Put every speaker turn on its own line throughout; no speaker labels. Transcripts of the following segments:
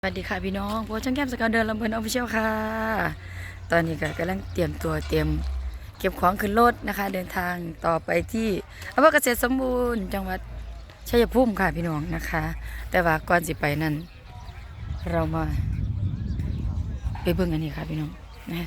สวัสดีค่ะพี่น้องโพช่างแก้มสกาวเดินลำเพลินออฟฟิเชียลค่ะตอนนี้ก็กำลังเตรียมตัวเก็บของขึ้นรถนะคะเดินทางต่อไปที่อำเภอเกษตรสมบูรณ์จังหวัดชัยภูมิค่ะพี่น้องนะคะ แต่ว่าก่อนสิไปนั่นเรามาไปเบิ่งอันนี้ค่ะพี่น้องนะ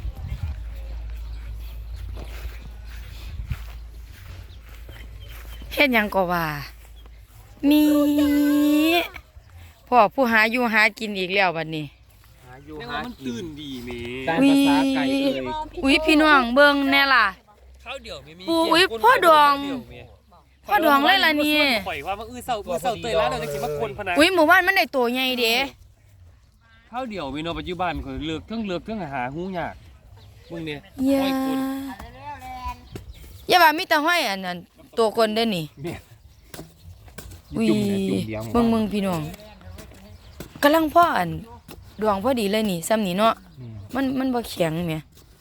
เฮ็ดหยังก็ว่ามีพ่อผู้หาอยู่หากินอีกแล้วบัดนี้
เรียกว่ามันตื่นดีเม
ตามภาษาไก่เอ่ย
อุ้ยพี่น้องเบิ่งแน่ล่ะ
ข้าวเดี่ยวมี
อุ้ยพ่อดองเลยล่ะนี่
ปล่อยว่ามันเศร้าเตยแล้วเราจะสิมาคนพนัน
อุ้ยหมู่บ้านมันได้ตัวใหญ่เด้
ข้าวเดี่ยวมีโนปัจจุบันเขาเลือกเครื่องหาหูยากมึงเนี่ย
อย่า
ห้อยคน
อย่าว่ามีแต่ห้อยอันนั้นตัวคนเด้อนี่
เมีย
อุ้ย
จุ่มเนี่ยจุ่มเดียว
มึงพี่น้องกำลังพ่ออันดวงพอดีเลยนี่ซ้ำนี่เนาะมันบ่แข็งแหม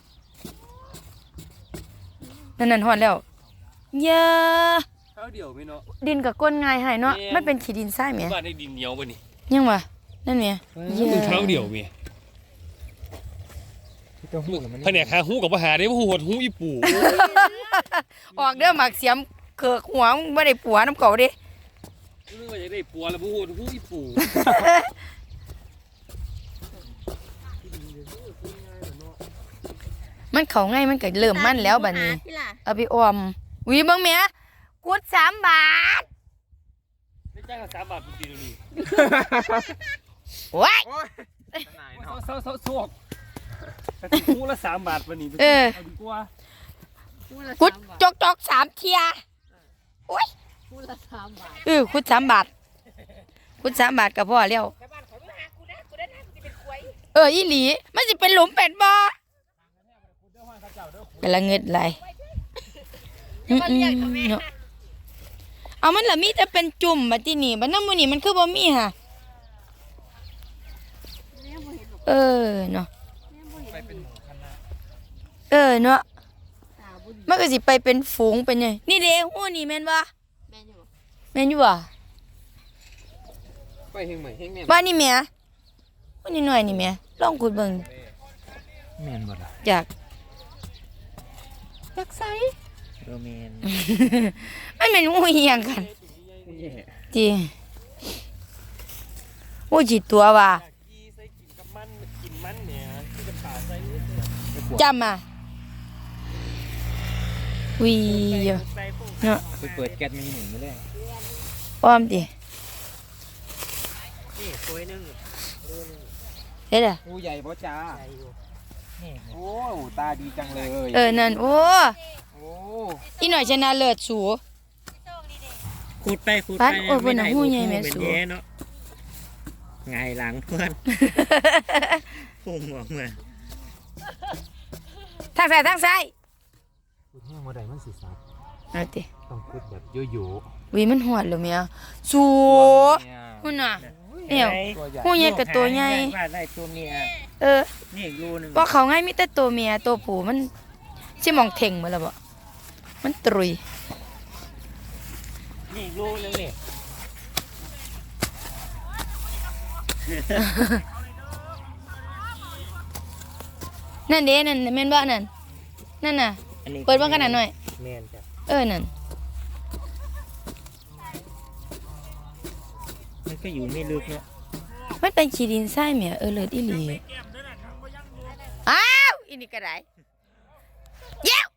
นั่นฮอดแล้วอย่า
ข้าวเดี่ยวมีโน
ดินกับก้นง่ายให้เนาะมันเป็นขี้ดินทรายแหม
บ้านได้ดินเหนียวป่ะนี่
ยังวะนั่นแหม
มึงข้าวเดี่ยวเมีย
ตัวหูมัน
แผนกหาหูกับปัญหาได้ว่าหูหดหูอีปู่
ออกเด้อหมักเสียมเขือกหัวมึงบ่ได้ปัวน้ำเก่าเด้
นึกว่าจะได้ปัวแล้วหูหดหูอีปู่
มันเขาง่ายมันก็เริ่มมันแล้วบัดนี้เอาไปออมวิเบิ่งแหม่กุด3 บาท
ได้จ้างกัน3 บาทปีเดียวนี่
โอ้ย
เศร้าสวกแต่หูละ3 บาทวันนี้เอาดีกว่า
กุดจอก3 เที่ยโอ้ย
พูดละ3 บาท
กุด3 บาทกุด3 บาทก็พอแล้วอีหลีมันสิเป็นหลุมเป็ดบ่กำลังเงิดไหลเนาะเอามันละมีแต่เป็นจุ่มบัดที่นี่บัดน้ำมือนี่มันคือบ่มีค่ะเนาะเนาะมันก็สิไปเป็นฝูงเป็นไงนี่เด้หูนี่แม่นบ่
แม่นอยู่
แม่นอยู่บ่
ไปเฮงใหม่เฮงแม่
บ้านนี่แม่หูนี่หน่อยนี่แม่ลองขุดเบิ่ง
แม่นบ่ล่ะ
จาก
ไซ
แม่น
มันเป็นหูอีหยังกัน
แย่
จีหูจิตตัวว่ะ
กีใส่กินกับมันกินมันเนี่ยที่จะป่าใส่
จำอ่ะวีเยอะ
ใส่พวก
เนาะ
ไปเปิดแก๊สมีหนึ่งไม่ได้
อ้อมดิ
นี่ตัวนึง
เฮ็ดอ่ะ
หูใหญ่บ่จ้าโอ้ตาดีจังเลย
นั่นโอ้
โอ้
อีหน่อยชนะเลิศสู
ขุดไป
ปัดโอ้ยเพิ่นน่ะหูใหญ่แม่สู
เป็นแย่เนาะไงหลังเพื่อนพุ่งออกมา
ทางซ้ายทางซ้าย
ขุดแห้งบ่ได้มันสิซับ
เอาติ
ต้องขุดแบบโย
วีมันหอดแล้วแม่สู
ๆ
หุ่นน่ะเนี่ย
ตัวใหญ่
หูใหญ่กับตัวใหญ่
ว่าได้ตัวเมีย นี่อีกรูหนึง
บ่เขาง่ายมีแต่ตัวเมียตัวผู้มันสิมองเท่งหมดแล้วบ่มันตรุย
นี่อีกรูหนึงนี่
นั่นเด้นั่นแม่นบ่นั่นนั่นน่ะ
อันนี้
เปิดเบิ่งกันหน่อย
แม่นจ้ะ
นั่น
มันก็อยู่ไม่ลึกเนาะ
มันเป็นขี้ดินทรายแหมเลิศอีหลีอ้าวอีนี่ก็ได้เย้ว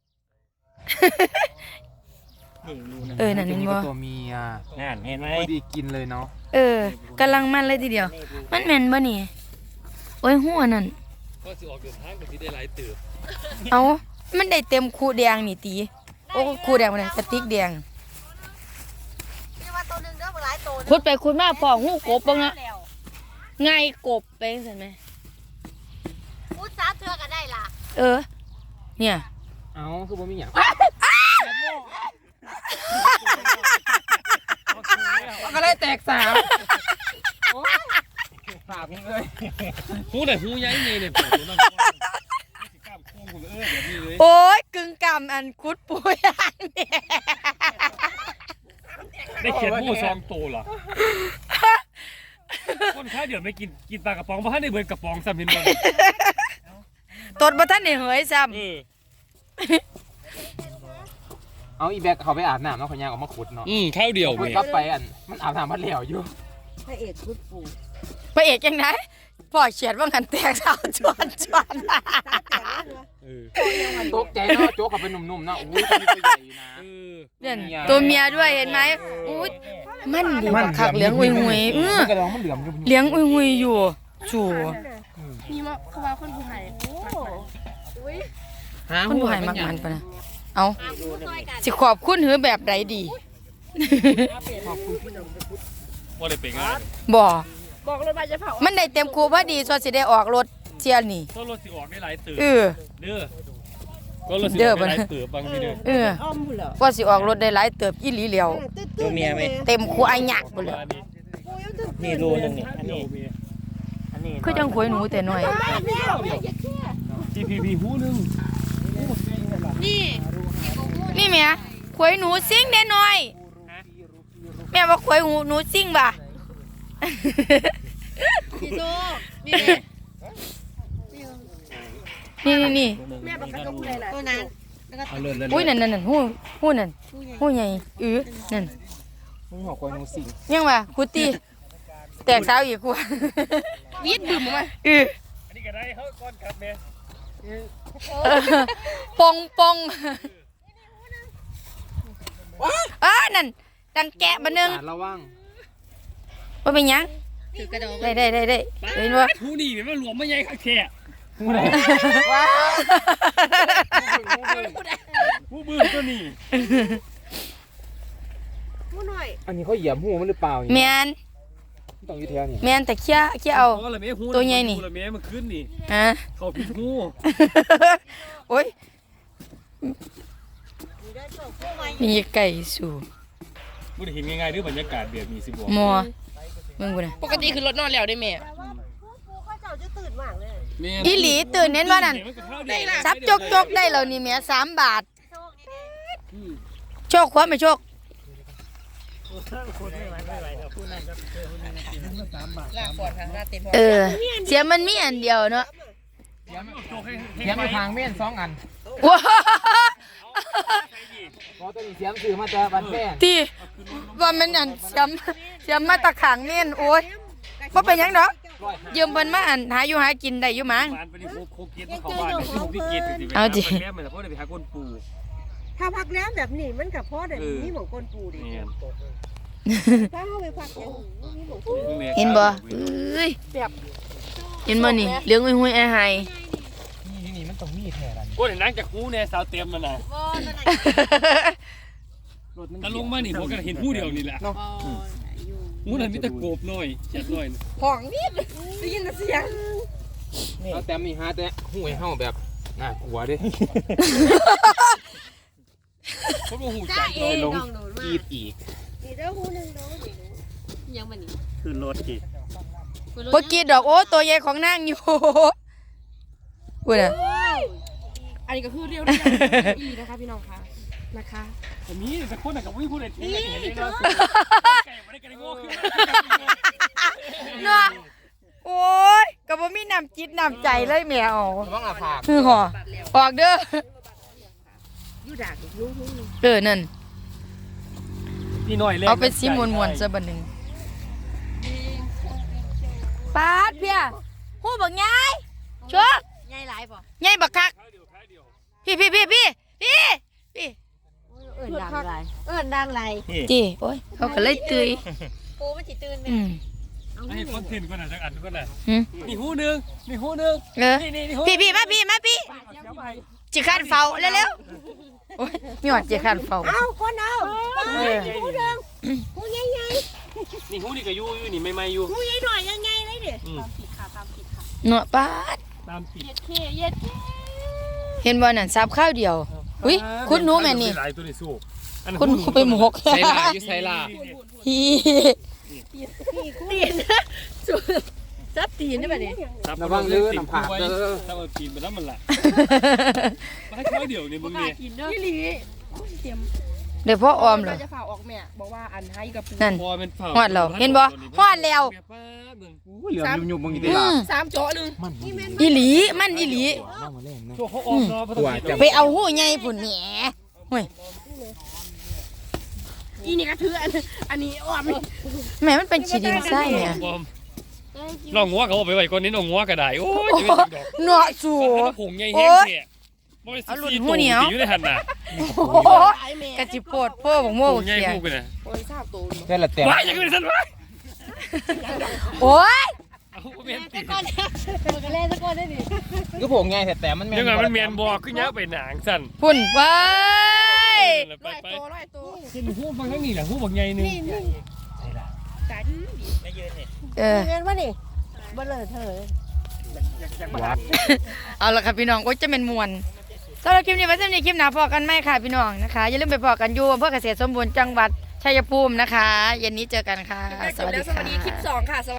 นี่อีกรูหนึง
นั่นเห็นบ่
ตัวเมีย
นั่นเห็นไหม
พอดีกินเลยเนาะ
กำลังมันเลยทีเดียว มันแม่นบ่นี่โอ้ยหัวนั่น
ก็สิออกเดินทางก็สิได้หลายเติบ
เอามันได้เต็มคูแดงนี่ตีโอ้คูแดงบ่ได้กระติกแดง
นี่ว่าตัวหนึงเด้อบ่หลายตัว
ขุดไปขุดมาพอหูกบเบิ่งเนาะไงกบไปจังซั่นแหม
พูด3 เทื่อก็ได้ล่ะ
เนี่ย
เอ้าคือบ่มีหยังก็เลยแตกสามฝากเลย
หูไหนหูย้ายเมย์เนี่ยเปิดตัวนั่นสิกล้ามโค้งคุณแบบนี้เลย
โอ้ยกึ่งกำอันขุดปุยอันเนี่ย
ได้เขียนหู2 ตัวเหรอคนำข้าวเดี๋ยวไม่กินปลากระป๋องเพราะท่านได้เบิร์กระป๋องซ้ำเห็นบ่
ตดบ่ทันได้เหยซ้ำ
เอาอีแบกเขาไปอาบน้ำแล้วเขาย่างออกมาขุดเนาะ
ข้าวเดียว
ขุด
แม่
กลับไปอันมันอาบน้ำพัดเหลวอยู่
พระเอกพุทธปู
พระเอกจังได๋พ่อเฉียดว่างันแตกสาวจวน
ตกใจเนาะโจ๊กเขาเป็นหนุ่มๆเนาะอุ้ยตัวนี้ตัวใหญ่อยู่นะ
เนี่ยตัวเมียด้วยเห็นไหมอุ้ยมันดีกว่าคักเลี้ยงอุยๆ
มันกระดองมันเหลือมอยู่
เลี้ยงอุยๆอยู่จู่
มีมาเขาว่าคนผู้ไทย
คนผู้ให้มักมันปะนะเอาสิขอบคุณหือแบบใดดี
ว่าได้ไปงาน
บ่
บอกเลยว่าจะเผา
มันได้เต็มคูพอดีซอสิได้ออกรถเที่ยนี่
ก็รถสิออกได้หลายตื่น
เออ
เด้อก็รถสิออกได้หลายตื่นบางทีเด้อ
เออก็สิออกรถได้หลายเติบอีหลีแล้ว
ตัวเมียไหม
เต็มคูอัยยักบ่เลย
นี่รูนึงนี่อันนี้อันนี้
คือจังขวยหนูแต่น้อย
GPP หูนึง
นี่
นี่แม่ขวยหนูซิ่งได้น้อยแม่ว่าขวยหนูซิ่งบ่ะ
พี่โตนี่
นี่
แม่ประกันกับผู้ใดล่ะ
ตัวนั้น
เอาเลื่อน
อุ้ยนั่นหู้นั่นหู้ใหญ่นั่น
มึงหัวควายนูสิง
ยังว่าคุตีแตกสาวอีกกู
วีดบึ้มมา
อันนี้ก็ได้เฮาก่อนครับแม่
ปงนั่นดังแกะมานึง
ระวัง
ว่าเป็นหยัง
ถือกระดอง
ได้เห็นว่า
หูนี่แม่มันหลวมไม่ใหญ่คักแท้
ว้า
หูบึ้งตัวนี้
ผู้หน่อย
อันนี้เขาเหยียบหูมันหรือเปล่า
แมน
ต้องอยู่แถวนี้
แมนแต่เคี้ยเอา
ละแม่หู
ตัวใหญ่นี่
ละแม่มันขึ้นนี่
ฮะ
เขาผิดหู
โอ้ยมีไก่สู่
บ่ได้เห็นง่ายๆเด้อบรรยากาศแบบนี้สิบ่
มัวมึงกูนะ
ปกติคือรถนอนแล้วได้แม่
แต่ว่าผู้เขาเจ้าจะตื่นมากเลย
อีหลีตื่นเน้นว่านั่น
ได้ล่ะ
ซับจกได้แล้วนี่แม่3 บาท
โชคดี
โชคความไม่โชค
ลากปอดทางหน้าเต็ม
เสียมันมีอันเดียวเนาะ
เสียมอยู่ทางเม่น2 อัน
ว้า
เพราะตัวนี้เสียมซื้อมาแต่บ้านแป้ง
ที่ว่ามันอันเสียมมาตะขังเน่นโอ้ยบ่เป็นหยังดอกยืมเพิ่นมาอันหาอยู่หากินได้อยู่มั้ง
บ้านไปดิโคเกียรติเข้าบ้านที่ผมที่เกียรติสิ
เอาดิ
แม่มันเพราะได้ไปหาคนปู่
ถ้าพักแล้วแบบนี้มันกับพ่อเด็กนี่หมองก้นปูดิ
เนี่ย
ถ้าเข้าไปพักอย่างนี้หมองปู
เห็นบ่เอ้ยเห็นบ่นี่เหลืองหุยๆอ้าย
นี่มันต้องมีแท้ละ
กูเห็นนั่งจากหูเนี่ยสาวเต็มมันน่ะ
บอลนั่น
รถมัน
ถ้าลงมานี่ผมก็เห็นผู้เดียวนี่แหละหูนั้นมีตะโกบหน่อยเจ็ดหน่อย
ห้องนิดได้ยินเสียง
เอาแต่มีหาแต่หูไอ้เฮาแบบน่ากลัวเด้
เขาบอกหู
จ้า
จัก
เองน้องหนู
กรีดอีก
นี่เด้อหูนึงเด้อยังมันนี่
ขึ้นรถกี่
บ่กินดอกโอ้ตัวใหญ่ของนางอยู่อุ้ยน่ะ
อันนี้ก็คือเรียวอีนะคะพี่น้องค่ะนะคะ
ผมมีแต่คนน่ะกับวิ่งพูดอะไรที่เห็นได้แล้วไก่ไม่ได้ไก่โง่ขึ้น
เนาะโอ้ยก็บ่มีน้ำจิตน้ำใจเลยแมว
ระวังอาผาก
คือห่อออกเด้อ
อยู่ด่าลูก
นั่น
นี่หน่อยเลย
เอาไปซิมวนๆซะบัดหนึงปาดเพียฮู้บักยายชัว
ใหญ่หลายป่ะ
ยายบักคักพี่
เอิ้นดังหลาย
จีโอ้ยเขาก็เลยตื่ย
ปูมันสิตื่นแม่
ให้คนทิ้นก่อนนะสักอันก่อนนะ
หืม
นี่หูนึงนี่หูนึง
เออ
นี่หู
พี่มาพี่จิคันเฝ้าเร็วๆโอ้ยมีหอดจิคันเฝ้า
เอาคนเอา
เออ
หูใหญ่
นี่หูนี่ก็อยู่นี่ไม่อยู่
หูใหญ่หน่อยยังไงเลยดิ
เนาะปาด
ตามปิด
เห็นบ่นั่นซับข้าวเดียวอุ้ยคุณหนูแม่นี่
หลายตัวในสู้
คุณหนูไปหมก
ไซลาอยู่ไซลา
ฮี
จับตีนได้ป่ะเนี่ย
ระวังเด้อน้ำผากเด้อ
ถ้าเอาตีนไปแล้วมันละมาให้เขาเดี๋ยวนี่มึงเนี่ย
กินเนาะพี่ลีเตรียม
เดี๋ยวพ่อออมเหรอ
จะฝ่าออกแม่บอกว่าอันให้กับปู
นั่น
พอเป็นเผา
ฮอดแล้วเห็นบ่ฮอดแล้ว
เหลือยุ่งๆบางทีได้
3โจ๊ะนึง
อีหลีมันอีหลี
น้ำมาเล่นนะ
ช่วงเขาออกเนาะเพราะต้อง
ไปเอาหูใหญ่พุ่นแหมโอ้ย
อีนี่ก็ถืออันนี้อ้อม
แม่มันเป็นฉีดินไส้เนี่ย
ลองงัวเขาเอาไปไว้ก่อนนี้ลองงัวก็ได้โอ้ย
โอ้
จะเป็นดอก
เนาะสู
ผงใหญ่แห้งแท้บ่ได้
เอาหลุด
14
หูเหนียว
ตีอยู่ในหั่นน่ะ
โอ้โหกะจิโปดพ่อบอกโม่
ผงใหญ่
เขีย
พูดกันน่ะ
โอ้ยทราบตัว
แค่ละแต่
ว้ายยังไงซั่นวะ
โอ้ย
เอาแม่นติ
ตัวกันเล่นสักคนได้ดิ
ก็ผมไงแต่มัน
ยังไงมันแม่นบ่คือยักไปหนางซั่น
พุ่นไป
ไปไป
ร้อยตัว
กินหูฟังทั้งนี้แหละหูบักใหญ่นึง
กัน
เออ
เงินวะนี่บ่เลยเธอ
เอาละครับพี่น้องโอ้ยจะเป็นมวนสำหรับคลิปนี้ไว้สำหรับคลิปหน้าพอกันไหมค่ะพี่น้องนะคะอย่าลืมไปพอกันอยู่อำเภอเกษตรสมบูรณ์จังหวัดชัยภูมินะคะเย็นนี้เจอกันค่ะ
จบแล้วสวัสดีคลิป2ค่ะ